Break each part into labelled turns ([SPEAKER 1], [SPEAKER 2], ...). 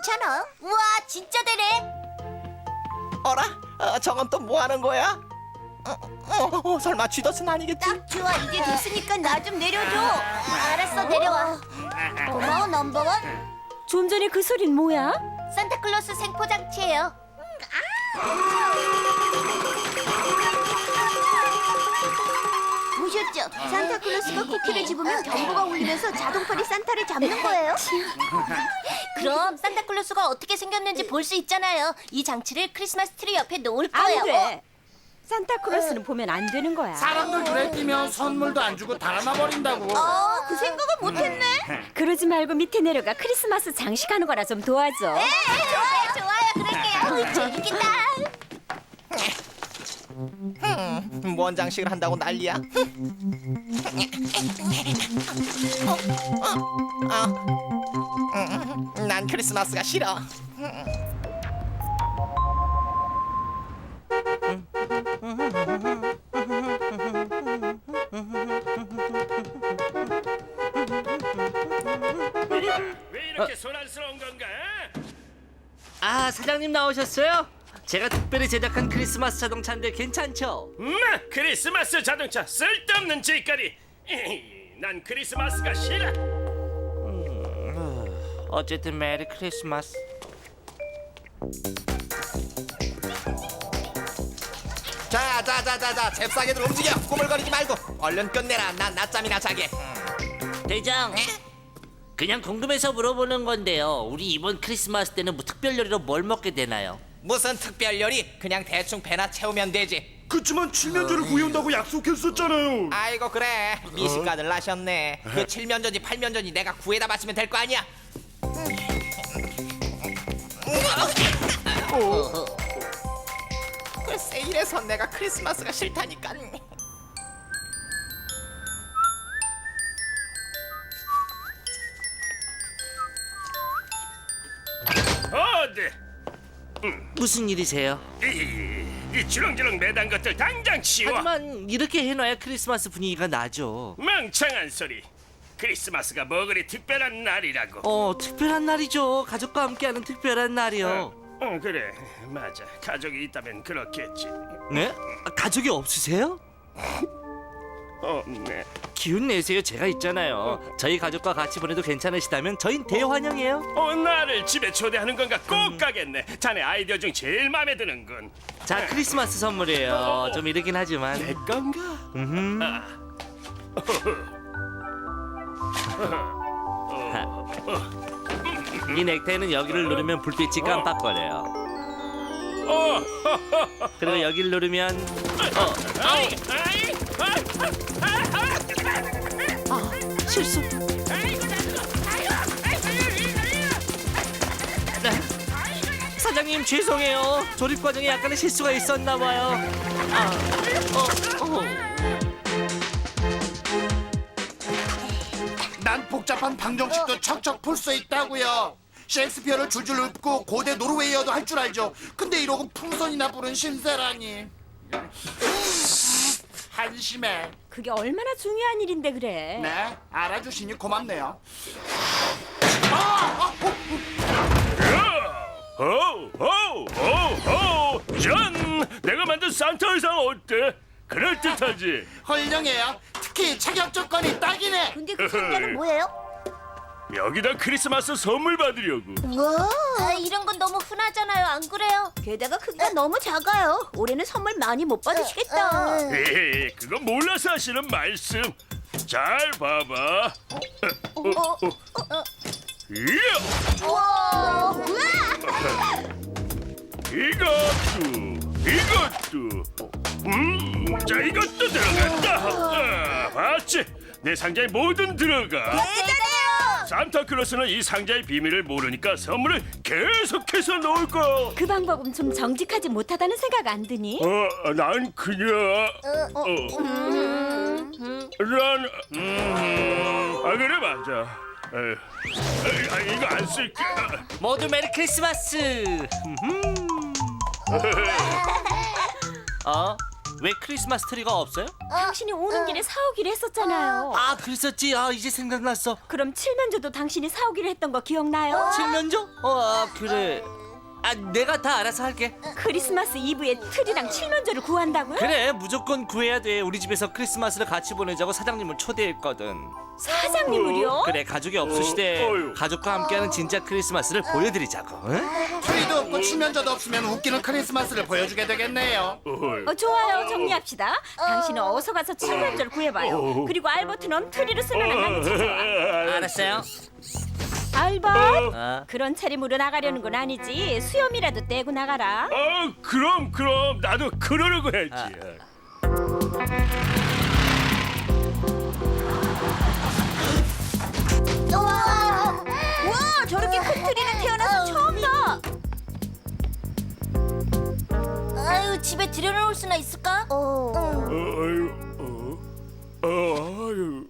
[SPEAKER 1] 괜찮아. 우와, 진짜 되네.
[SPEAKER 2] 어라? 저건 또 뭐 하는 거야? 설마 쥐덫은 아니겠지?
[SPEAKER 1] 딱 좋아. 이제 됐으니까 나 좀 내려줘. 알았어, 내려와. 고마워, 넘버원.
[SPEAKER 3] 좀 전에 그 소린 뭐야?
[SPEAKER 1] 산타클로스 생포장치예요. 보셨죠? 산타클로스가 쿠키를 집으면 경보가 울리면서 자동팔이 산타를 잡는 거예요. 그럼 산타클로스가 어떻게 생겼는지 볼 수 있잖아요. 이 장치를 크리스마스 트리 옆에 놓을 거예요.
[SPEAKER 3] 안 돼. 산타클로스는 보면 안 되는 거야.
[SPEAKER 4] 사람들 눈에 띄면 선물도 안 주고 달아나 버린다고.
[SPEAKER 1] 그 생각을 못했네.
[SPEAKER 3] 그러지 말고 밑에 내려가 크리스마스 장식하는 거나 좀 도와줘.
[SPEAKER 1] 좋아요. 그럴게요. 재밌겠다.
[SPEAKER 2] 뭔 장식을 한다고 난리야? 난 크리스마스가 싫어.
[SPEAKER 5] 왜 이렇게 소란스러운 건가?
[SPEAKER 6] 아, 사장님 나오셨어요? 제가 특별히 제작한 크리스마스 자동차인데 괜찮죠?
[SPEAKER 5] 크리스마스 자동차 쓸데없는 짓거리. 난 크리스마스가 싫어.
[SPEAKER 6] 어쨌든 메리 크리스마스.
[SPEAKER 2] 자, 잽싸게들 움직여. 꾸물거리지 말고 얼른 끝내라. 난 낮잠이나 자게.
[SPEAKER 6] 대장, 그냥 궁금해서 물어보는 건데요. 우리 이번 크리스마스 때는 뭐 특별 요리로 뭘 먹게 되나요?
[SPEAKER 2] 무슨 특별 요리? 그냥 대충 배나 채우면 되지.
[SPEAKER 5] 그치만 칠면조를 구해온다고 약속했었잖아요.
[SPEAKER 2] 아이고 그래, 미식가들 나셨네. 그 칠면조지 팔면조지 내가 구해다 바치면 될 거 아니야. 글쎄 이래서 내가 크리스마스가 싫다니까.
[SPEAKER 5] 어디?
[SPEAKER 6] 무슨 일이세요?
[SPEAKER 5] 이 주렁주렁 매단 것들 당장 치워.
[SPEAKER 6] 하지만 이렇게 해놔야 크리스마스 분위기가 나죠.
[SPEAKER 5] 멍청한 소리. 크리스마스가 뭐 그리 특별한 날이라고.
[SPEAKER 6] 특별한 날이죠. 가족과 함께하는 특별한 날이요.
[SPEAKER 5] 그래, 맞아. 가족이 있다면 그렇겠지.
[SPEAKER 6] 네? 가족이 없으세요?
[SPEAKER 5] 네.
[SPEAKER 6] 기운 내세요. 제가 있잖아요. 저희 가족과 같이 보내도 괜찮으시다면 저흰 대환영이에요.
[SPEAKER 5] 나를 집에 초대하는 건가 꼭 가겠네. 자네 아이디어 중 제일 마음에 드는군.
[SPEAKER 6] 자, 크리스마스 선물이에요. 좀 이르긴 하지만.
[SPEAKER 5] 내 건가?
[SPEAKER 6] 이 넥타이는 여기를 누르면 불빛이 깜빡거려요. 그리고 여기를 누르면 실수. 사장님 죄송해요. 조립 과정에 약간의 실수가 있었나 봐요.
[SPEAKER 4] 난 복잡한 방정식도 척척 풀 수 있다고요. 셰익스피어를 줄줄 읊고 고대 노르웨이어도 할 줄 알죠. 근데 이러고 풍선이나 부른 신세라니. 한심해.
[SPEAKER 3] 그게 얼마나 중요한 일인데 그래.
[SPEAKER 4] 네, 알아주시니 고맙네요.
[SPEAKER 5] 전 내가 만든 산타 의상 어때? 그럴듯하지?
[SPEAKER 4] 훌륭해요. 특히 자격 조건이 딱이네.
[SPEAKER 1] 근데 그 상자는 뭐예요?
[SPEAKER 5] 여기다 크리스마스 선물 받으려고.
[SPEAKER 1] 와, 이런 건 너무 흔하잖아요. 안 그래요? 게다가 크기가 너무 작아요. 올해는 선물 많이 못 받으시겠다.
[SPEAKER 5] 에헤, 그건 몰라서 하시는 말씀. 잘 봐봐. 이야,
[SPEAKER 1] 우와,
[SPEAKER 5] 이것도. 자, 이것도 들어간다. 봤지? 내 상자에 뭐든 들어가.
[SPEAKER 1] 대단해요.
[SPEAKER 5] 산타클로스는 이 상자의 비밀을 모르니까 선물을 계속해서 넣을 거야.
[SPEAKER 3] 그 방법은 좀 정직하지 못하다는 생각 안 드니?
[SPEAKER 5] 난 그냥 그래 맞아. 이거 안 쓸게.
[SPEAKER 6] 모두 메리 크리스마스. 왜 크리스마스 트리가 없어요?
[SPEAKER 3] 당신이 오는 길에 사오기로 했었잖아요.
[SPEAKER 6] 아, 그랬었지. 아, 이제 생각났어.
[SPEAKER 3] 그럼 칠면조도 당신이 사오기로 했던 거 기억나요?
[SPEAKER 6] 칠면조? 그래. 아, 내가 다 알아서 할게.
[SPEAKER 3] 크리스마스 이브에 트리랑 칠면조를 구한다고요?
[SPEAKER 6] 그래, 무조건 구해야 돼. 우리 집에서 크리스마스를 같이 보내자고 사장님을 초대했거든.
[SPEAKER 3] 사장님을요?
[SPEAKER 6] 그래, 가족이 없으시대.
[SPEAKER 5] 어휴.
[SPEAKER 6] 가족과 함께하는 진짜 크리스마스를 보여드리자고. 응?
[SPEAKER 4] 트리도 없고 칠면조도 없으면 웃기는 크리스마스를 보여주게 되겠네요.
[SPEAKER 3] 좋아요. 정리합시다. 당신은 어서 가서 칠면조를 구해봐요. 그리고 알버트는 트리를 쓰는 한강에 찾아와.
[SPEAKER 6] 알았어요.
[SPEAKER 3] 알버, 그런 차림으로 나가려는 건 아니지. 수염이라도 떼고 나가라.
[SPEAKER 5] 그럼 나도 그러려고 했지.
[SPEAKER 3] 와, 저렇게 큰 트리는 태어나서 처음이다.
[SPEAKER 1] 아유, 집에 들여놓을 수나 있을까?
[SPEAKER 5] 아유.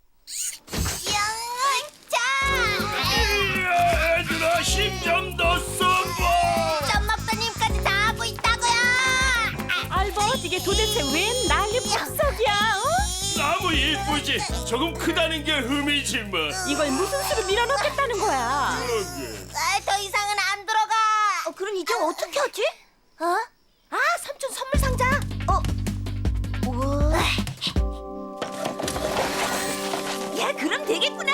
[SPEAKER 1] 야,
[SPEAKER 5] 얘들아 힘 좀 더 써봐.
[SPEAKER 1] 짬막사님까지 다 하고 있다고요.
[SPEAKER 3] 알버, 이게 도대체 웬 난리 폭삭이야?
[SPEAKER 5] 나무 이쁘지. 조금 크다는 게 흠이지만.
[SPEAKER 3] 이걸 무슨 수로 밀어넣겠다는 거야?
[SPEAKER 1] 더 이상은 안 들어가. 그럼 이제 어떻게 하지? 삼촌 선물 상자. 우와. 야, 그럼 되겠구나.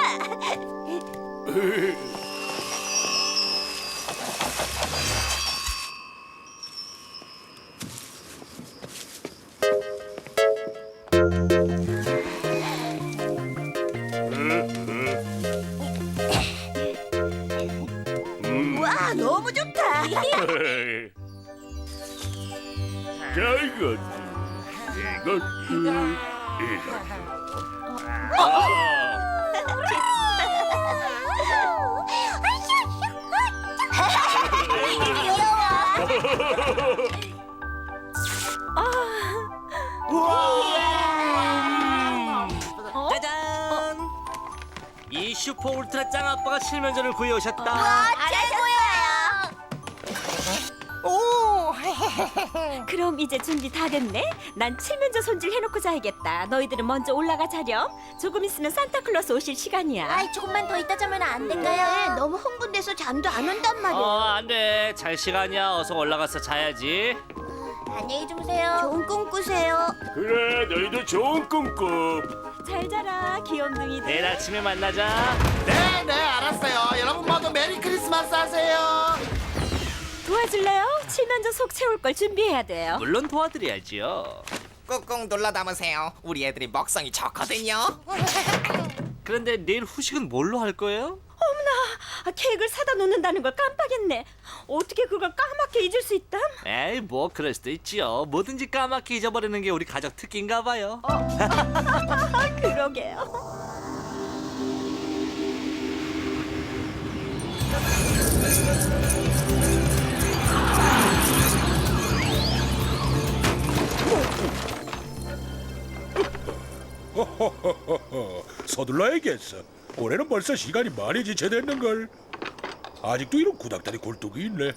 [SPEAKER 1] 와, 너무 좋다.
[SPEAKER 5] 자, 이것도.
[SPEAKER 6] 짜잔! 이 슈퍼 울트라 짱 아빠가 칠면조를 구해오셨다.
[SPEAKER 1] 최고야.
[SPEAKER 3] 그럼 이제 준비 다 됐네? 난 칠면조 손질 해놓고 자야겠다. 너희들은 먼저 올라가 자렴. 조금 있으면 산타클로스 오실 시간이야.
[SPEAKER 1] 조금만 더 있다 자면 안 될까요? 너무 흥분돼서 잠도 안 온단 말이야.
[SPEAKER 6] 안 돼. 잘 시간이야. 어서 올라가서 자야지.
[SPEAKER 1] 안녕히 주무세요. 좋은 꿈 꾸세요.
[SPEAKER 5] 그래, 너희도 좋은 꿈 꿔.
[SPEAKER 3] 잘 자라, 귀염둥이들.
[SPEAKER 6] 내일 아침에 만나자.
[SPEAKER 4] 네, 알았어요. 여러분 모두 메리 크리스마스 하세요.
[SPEAKER 3] 도와줄래요? 칠면조 속 채울 걸 준비해야 돼요.
[SPEAKER 6] 물론 도와드려야지요.
[SPEAKER 2] 꾹꾹 눌러 담으세요. 우리 애들이 먹성이 좋거든요.
[SPEAKER 6] 그런데 내일 후식은 뭘로 할 거예요?
[SPEAKER 3] 케이크를 사다 놓는다는 걸 깜빡했네. 어떻게 그걸 까맣게 잊을 수 있담?
[SPEAKER 6] 에이, 뭐 그럴 수도 있지요. 뭐든지 까맣게 잊어버리는 게 우리 가족 특기인가 봐요.
[SPEAKER 3] 그러게요.
[SPEAKER 7] 서둘러야겠어. 올해는 벌써 시간이 많이 지체됐는걸. 아직도 이런 구닥다리 굴뚝이 있네.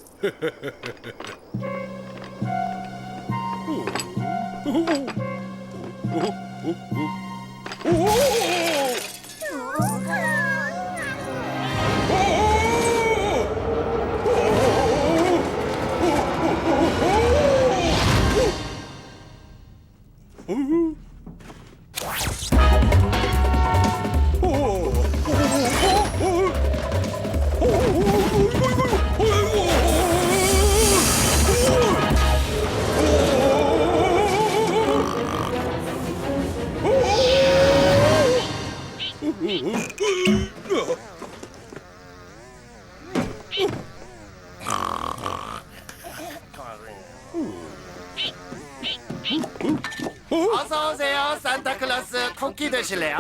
[SPEAKER 4] 어서 오세요. 산타클로스 쿠키 드실래요?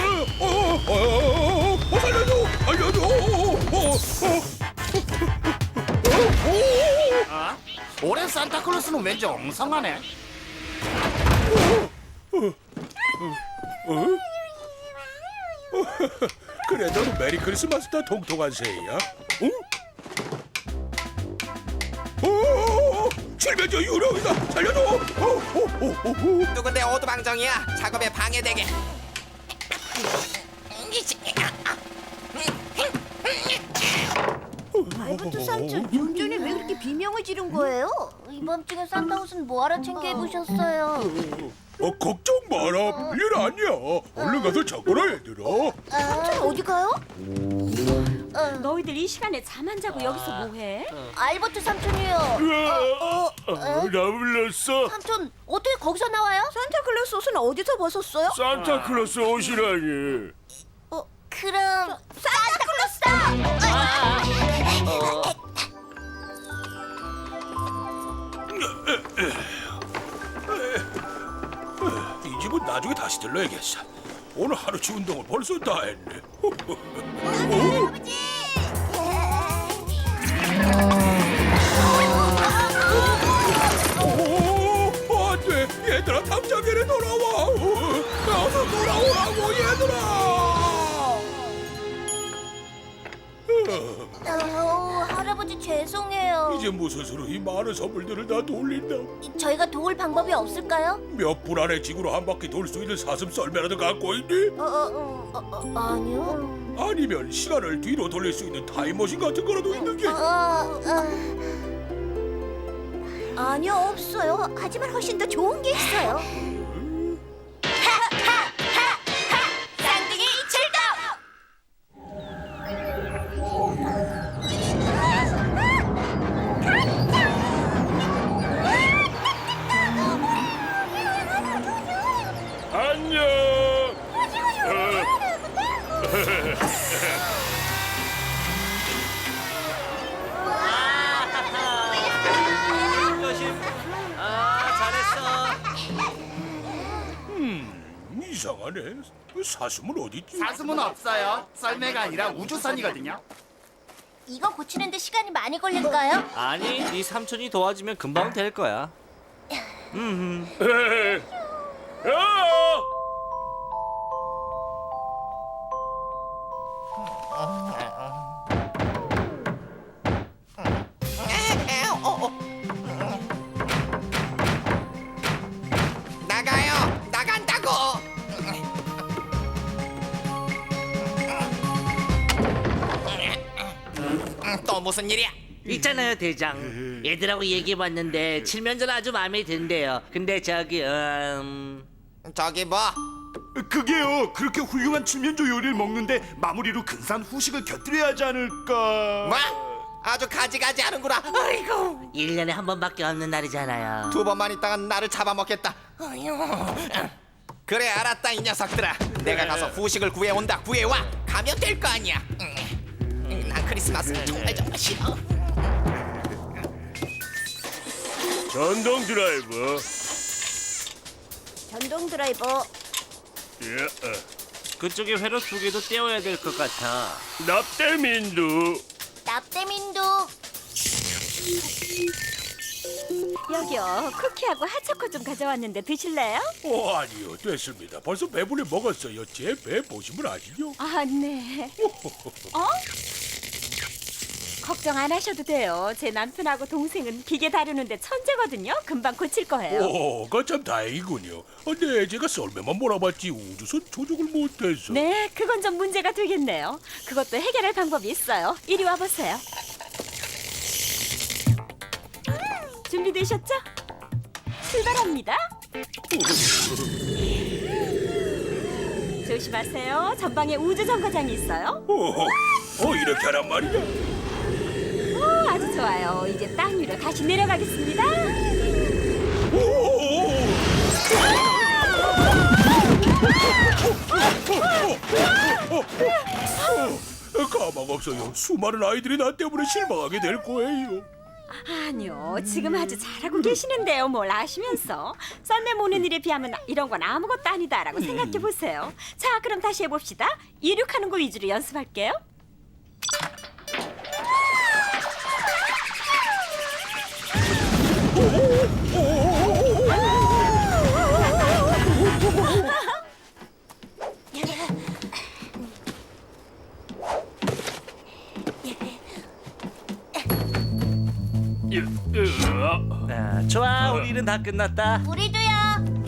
[SPEAKER 7] 살려줘! 알려줘!
[SPEAKER 4] 올해 산타클로스는 왠지 엉성하네.
[SPEAKER 7] 그래, 너는 메리 크리스마스다 통통한 새야. 응? 칠면조 유령이다. 살려줘!
[SPEAKER 2] 누군데 오두방정이야? 작업에 방해되게.
[SPEAKER 1] 알버트 삼촌, 좀 전에 왜 그렇게 비명을 지른 거예요? 이밤중에 산타 옷은 뭐하러 챙겨 입으셨어요?
[SPEAKER 7] 걱정 마라. 별일 아니야. 얼른 가서 자거라 얘들아.
[SPEAKER 1] 삼촌 어디 가요?
[SPEAKER 3] 너희들 이 시간에 잠 안 자고 여기서 뭐해?
[SPEAKER 1] 알버트 삼촌이요.
[SPEAKER 5] 나 불렀어.
[SPEAKER 1] 삼촌 어떻게 거기서 나와요? 산타클로스 옷은 어디서 벗었어요?
[SPEAKER 5] 산타클로스 옷이라니.
[SPEAKER 1] 그럼 산타클로스다!
[SPEAKER 7] 이 집은 나중에 다시 들러야겠어. 오늘 하루치 운동을 벌써 다 했네. 안돼, 얘들아 당장 이리 돌아와. 어서 돌아오라고 얘들아.
[SPEAKER 1] 할아버지 죄송해요.
[SPEAKER 7] 이제 무슨 수로 이 많은 선물들을 다 돌린다.
[SPEAKER 1] 저희가 도울 방법이 없을까요?
[SPEAKER 7] 몇 분 안에 지구로 한 바퀴 돌 수 있는 사슴 썰매라도 갖고 있니?
[SPEAKER 1] 아니요.
[SPEAKER 7] 아니면 시간을 뒤로 돌릴 수 있는 타임머신 같은 거라도 있는 게?
[SPEAKER 1] 아니요, 없어요. 하지만 훨씬 더 좋은 게 있어요. 쌍둥이 출동!
[SPEAKER 5] 안녕.
[SPEAKER 7] 이상하네. 사슴은 어디 있지?
[SPEAKER 4] 사슴은 없어요. 썰매가 아니라 우주선이거든요.
[SPEAKER 1] 이거 고치는데 시간이 많이 걸릴까요?
[SPEAKER 6] 아니, 네 삼촌이 도와주면 금방 될 거야.
[SPEAKER 2] 나가요. 나간다고. 또 무슨 일이야?
[SPEAKER 6] 있잖아요, 대장. 얘들하고 얘기해봤는데 칠면조는 아주 마음에 든대요. 근데 저기
[SPEAKER 2] 저기 뭐?
[SPEAKER 8] 그게요. 그렇게 훌륭한 칠면조 요리를 먹는데 마무리로 근사한 후식을 곁들여야 하지 않을까?
[SPEAKER 2] 뭐? 아주 가지가지 하는구나. 아이고.
[SPEAKER 6] 1년에 한 번밖에 없는 날이잖아요.
[SPEAKER 2] 2번만 있다가 나를 잡아먹겠다. 어휴. 그래 알았다 이 녀석들아. 내가 가서 후식을 구해온다. 구해와. 가면 될 거 아니야. 난 크리스마스를 정말 싫어.
[SPEAKER 5] 전동 드라이버.
[SPEAKER 1] 전동 드라이버.
[SPEAKER 5] 예.
[SPEAKER 6] 그쪽에 회로 2개도 떼어야 될 것 같아.
[SPEAKER 5] 납땜인두.
[SPEAKER 1] 납땜인도.
[SPEAKER 3] 여기요. 쿠키하고 핫초코 좀 가져왔는데 드실래요?
[SPEAKER 7] 아니요, 됐습니다. 벌써 배불리 먹었어요. 제 배 보시면 아시죠?
[SPEAKER 3] 아, 네. 걱정 안 하셔도 돼요. 제 남편하고 동생은 기계 다루는데 천재거든요. 금방 고칠 거예요.
[SPEAKER 7] 그참 다행이군요. 근데 제가 썰매만 몰아봤지 우주선 조종을 못해서.
[SPEAKER 3] 네, 그건 좀 문제가 되겠네요. 그것도 해결할 방법이 있어요. 이리 와보세요. 준비되셨죠? 출발합니다. 조심하세요. 전방에 우주정거장이 있어요.
[SPEAKER 7] 이렇게 하란 말이야.
[SPEAKER 3] 아주 좋아요. 이제 땅 위로 다시 내려가겠습니다.
[SPEAKER 7] 가망 없어요. 수많은 아이들이 나 때문에 실망하게 될 거예요.
[SPEAKER 3] 아니요, 지금 아주 잘하고 계시는데요. 뭘 아시면서 썰매 모는 일에 비하면 이런 건 아무것도 아니다라고 생각해 보세요. 자, 그럼 다시 해봅시다. 이륙하는 거 위주로 연습할게요.
[SPEAKER 6] 좋아, 우리 일은 다 끝났다.
[SPEAKER 1] 우리도요.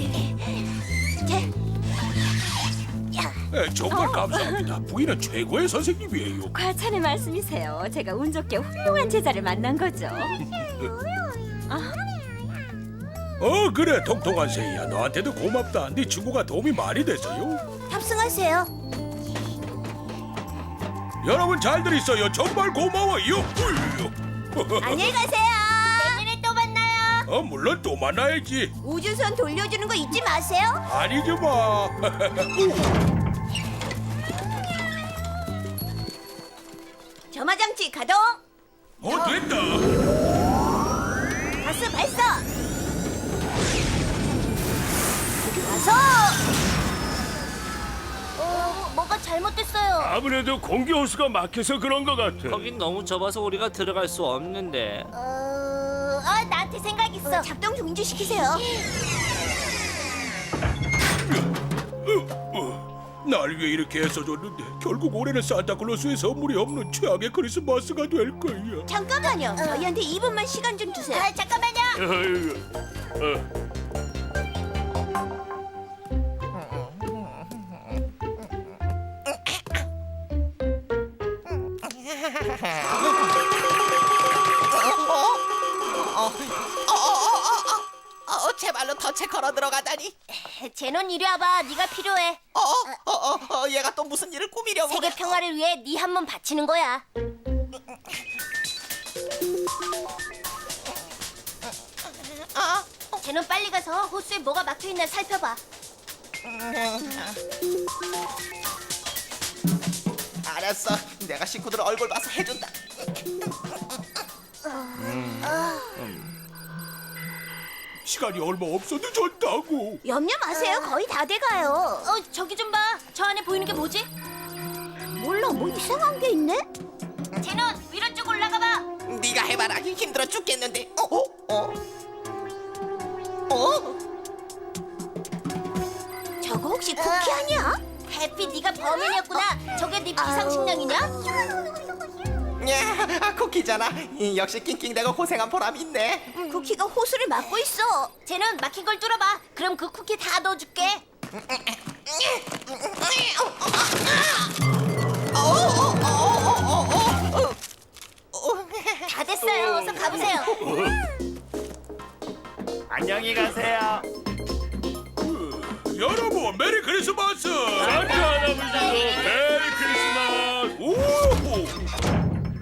[SPEAKER 1] 자,
[SPEAKER 7] 정말 감사합니다. 부인은 최고의 선생님이에요.
[SPEAKER 3] 과찬의 말씀이세요. 제가 운 좋게 훌륭한 제자를 만난 거죠.
[SPEAKER 7] 그래 통통한 새야. 너한테도 고맙다. 네 친구가 도움이 많이 됐어요.
[SPEAKER 1] 탑승하세요.
[SPEAKER 7] 여러분 잘들 있어요. 정말 고마워요.
[SPEAKER 1] 안녕히 가세요. 내년에 또 만나요.
[SPEAKER 7] 물론 또 만나야지.
[SPEAKER 1] 우주선 돌려주는 거 잊지 마세요.
[SPEAKER 7] 아니지 마.
[SPEAKER 1] 점화장치 가동.
[SPEAKER 7] 됐다.
[SPEAKER 1] 가스 발사. 가서. 뭐가 잘못됐어요.
[SPEAKER 5] 아무래도 공기 호수가 막혀서 그런 것 같아.
[SPEAKER 6] 거긴 너무 좁아서 우리가 들어갈 수 없는데.
[SPEAKER 1] 나한테 생각 있어. 작동 중지시키세요.
[SPEAKER 7] 날 위해 이렇게 애써줬는데 결국 올해는 산타클로스의 선물이 없는 최악의 크리스마스가 될 거야.
[SPEAKER 1] 잠깐만요. 저희한테 2분만 시간 좀 주세요. 잠깐만요.
[SPEAKER 5] 아이고,
[SPEAKER 2] 제발로 덫에 걸어 들어가다니.
[SPEAKER 1] 제논 이리 와봐. 네가 필요해.
[SPEAKER 2] 얘가 또 무슨 일을 꾸미려고
[SPEAKER 1] 세계
[SPEAKER 2] 그래.
[SPEAKER 1] 평화를 위해 네 한 몸 바치는 거야. 제논 빨리 가서 호수에 뭐가 막혀 있나 살펴봐.
[SPEAKER 2] 알았어. 내가 식구들 얼굴 봐서 해준다.
[SPEAKER 7] 시간이 얼마 없어 늦었다고.
[SPEAKER 1] 염려 마세요. 거의 다 돼가요. 저기 좀 봐. 저 안에 보이는 게 뭐지? 몰라. 뭐 이상한 게 있네. 제논 위로 쭉 올라가 봐.
[SPEAKER 2] 네가 해봐라. 힘들어 죽겠는데.
[SPEAKER 1] 저거 혹시 쿠키 아니야? 해피 네가 범인이었구나. 저게 네 비상식량이냐?
[SPEAKER 2] 야, 쿠키잖아. 역시 낑낑대고 고생한 보람이 있네.
[SPEAKER 1] 쿠키가 호수를 막고 있어. 쟤는 막힌 걸 뚫어봐. 그럼 그 쿠키 다 넣어줄게. 다 됐어요. 어서 가보세요.
[SPEAKER 5] 안녕히 가세요.
[SPEAKER 7] 여러분 메리 크리스마스.
[SPEAKER 5] 산타 할아버지도 메리 크리스마스.
[SPEAKER 7] 오!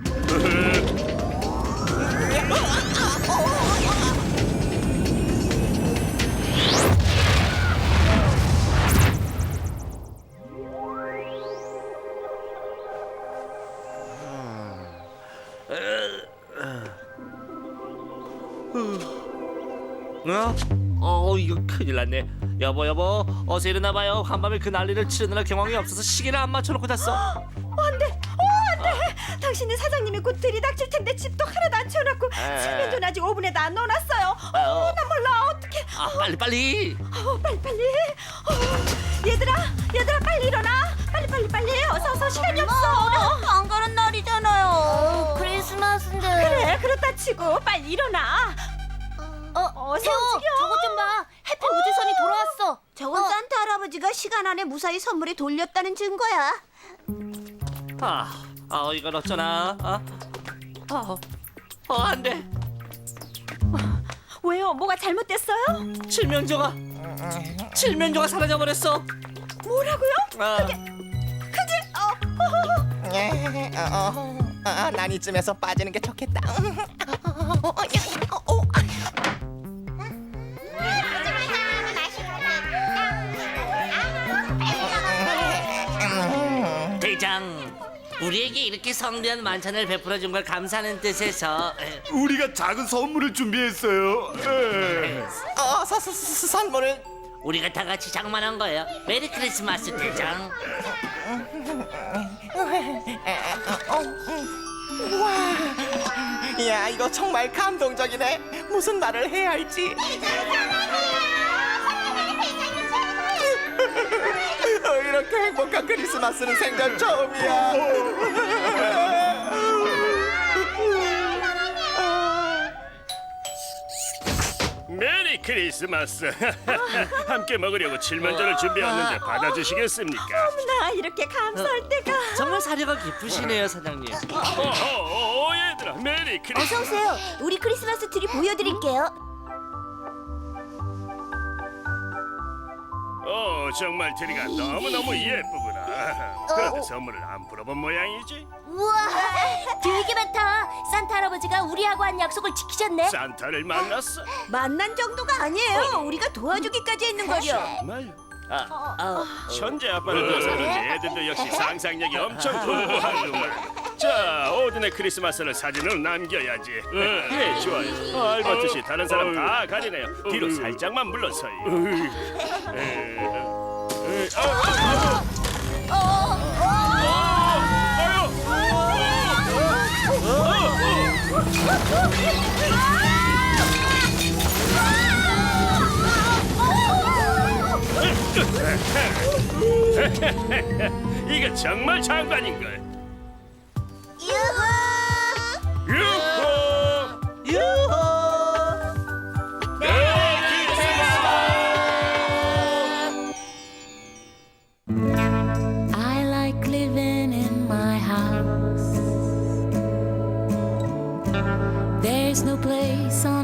[SPEAKER 6] 이거 큰일 났네. 여보, 어서 일어나봐요. 한밤에 그 난리를 치르느라 경황이 없어서 시계를 안 맞춰놓고 잤어.
[SPEAKER 3] 안돼. 당신은 사장님이 곧 들이닥칠 텐데 집도 하나도 안 채워놨고 칠면조는 아직 오븐에도 안 넣어놨어요. 나 몰라. 어떡해.
[SPEAKER 6] 빨리.
[SPEAKER 3] 빨리. 얘들아 빨리 일어나. 빨리. 어서 시간이 없어.
[SPEAKER 1] 안 가는 날이잖아요. 크리스마스인데.
[SPEAKER 3] 그래 그렇다 치고 빨리 일어나. 어서
[SPEAKER 1] 태호,
[SPEAKER 3] 움직여.
[SPEAKER 1] 저것 좀 봐. 해피 우주선이 돌아왔어. 저건 산타 할아버지가 시간 안에 무사히 선물을 돌렸다는 증거야.
[SPEAKER 6] 이건 어쩌나. 안 돼.
[SPEAKER 3] 왜요? 뭐가 잘못됐어요?
[SPEAKER 6] 칠면조가 사라져버렸어.
[SPEAKER 3] 뭐라고요?
[SPEAKER 2] 난 이쯤에서 빠지는 게 좋겠다.
[SPEAKER 6] 대장, 우리에게 이렇게 성대한 만찬을 베풀어준 걸 감사하는 뜻에서
[SPEAKER 8] 우리가 작은 선물을 준비했어요.
[SPEAKER 2] 선물을.
[SPEAKER 6] 우리가 다 같이 장만한 거예요. 메리 크리스마스 대장.
[SPEAKER 2] 야, 이거 정말 감동적이네. 무슨 말을 해야 할지. 이렇게 행복한 크리스마스는 생전 처음이야.
[SPEAKER 5] 메리 크리스마스. 함께 먹으려고 칠면조를 준비했는데 받아주시겠습니까?
[SPEAKER 3] 나 이렇게 감사할 때가.
[SPEAKER 6] 정말 사려가 깊으시네요, 사장님.
[SPEAKER 5] 얘들아, 메리 크리스마스.
[SPEAKER 1] 어서 오세요. 우리 크리스마스 트리 보여드릴게요.
[SPEAKER 5] 정말 트리가 너무너무 예쁘구나. 그런데 선물을 안 풀어본 모양이지?
[SPEAKER 1] 우와, 되게 많다. 산타 할아버지가 우리하고 한 약속을 지키셨네.
[SPEAKER 5] 산타를 만났어?
[SPEAKER 3] 만난 정도가 아니에요. 우리가 도와주기까지 했는 거죠.
[SPEAKER 5] 정말? 천재 아빠를 둬서 그런지 애들도 역시 상상력이 엄청 풍부하구만. 자, 오딘의 크리스마스를 사진으로 남겨야지. 네, 좋아요. 알버트 씨, 다른 사람 다 가리네요. 뒤로 살짝만 물러서요. 이게 정말 장관인걸. 유후!
[SPEAKER 9] I like living in my house. There's no place on